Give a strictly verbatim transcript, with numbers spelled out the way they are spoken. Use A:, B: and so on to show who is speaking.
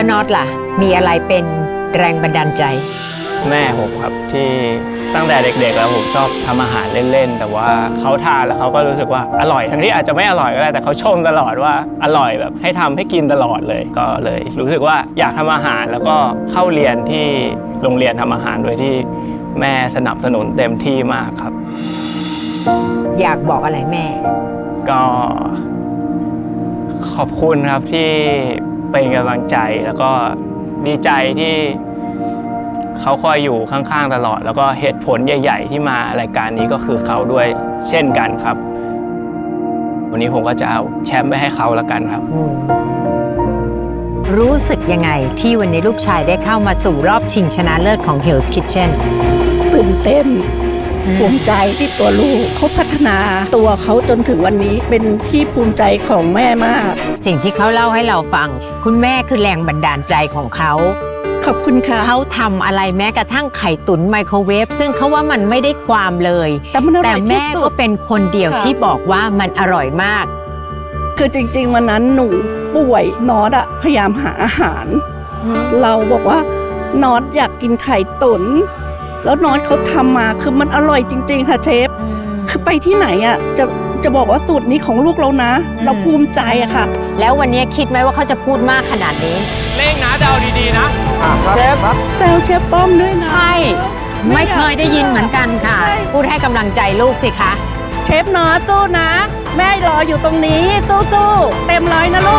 A: น็อตล่ะมีอะไรเป็นแรงบันดาลใจ
B: แม่ผมครับที่ตั้งแต่เด็กๆแล้วผมชอบทำอาหารเล่นๆแต่ว่าเขาทานแล้วเขาก็รู้สึกว่าอร่อยทั้งที่อาจจะไม่อร่อยก็ได้แต่เขาชมตลอดว่าอร่อยแบบให้ทำให้กินตลอดเลยก็เลยรู้สึกว่าอยากทำอาหารแล้วก็เข้าเรียนที่โรงเรียนทำอาหารโดยที่แม่สนับสนุนเต็มที่มากครับ
A: อยากบอกอะไรแม่
B: ก็ขอบคุณครับที่เป็นกำลังใจแล้วก็ดีใจที่เขาคอยอยู่ข้างๆตลอดแล้วก็เหตุผลใหญ่ๆที่มารายการนี้ก็คือเขาด้วยเช่นกันครับวันนี้ผมก็จะเอาแชมป์ไปให้เขาแล้วกันครับ
A: รู้สึกยังไงที่วันนี้ลูกชายได้เข้ามาสู่รอบชิงชนะเลิศของ Hell's Kitchen
C: ตื่นเต้นภูมิใจที่ตัวลูกเขาพัฒนาตัวเขาจนถึงวันนี้เป็นที่ภูมิใจของแม่มาก
A: สิ่งที่เขาเล่าให้เราฟังคุณแม่คือแรงบันดาลใจของเขา
C: ขอบคุณค่ะ
A: เขาทำอะไรแม้กระทั่งไข่ตุ๋นไมโครเวฟซึ่งเขาว่ามันไม่ได้ความเลย
C: แต่มันอร่อยที่สุด
A: แต่แม่ก็เป็นคนเดียวที่บอกว่ามันอร่อยมาก
C: คือจริงๆวันนั้นหนูป่วยน็อตอะพยายามหาอาหารเราบอกว่าน็อตอยากกินไข่ตุ๋นแล้วน็อตเขาทำมาคือมันอร่อยจริงๆค่ะเชฟคือไปที่ไหนอะจะจะบอกว่าสูตรนี้ของลูกเรานะเราภูมิใจอะค่ะ
A: แล้ววันนี้คิดไหมว่าเขาจะพูดมากขนาดนี้
B: เล่งนะเดาดีๆนะ
C: เชฟแซวเชฟป้อมด้วยนะ
A: ใช่ไม่เคยได้ยินเหมือนกันค่ะพูดให้กำลังใจลูกสิคะ
C: เชฟน็อตสู้นะแม่รออยู่ตรงนี้สู้ๆเต็มร้อยนะลูก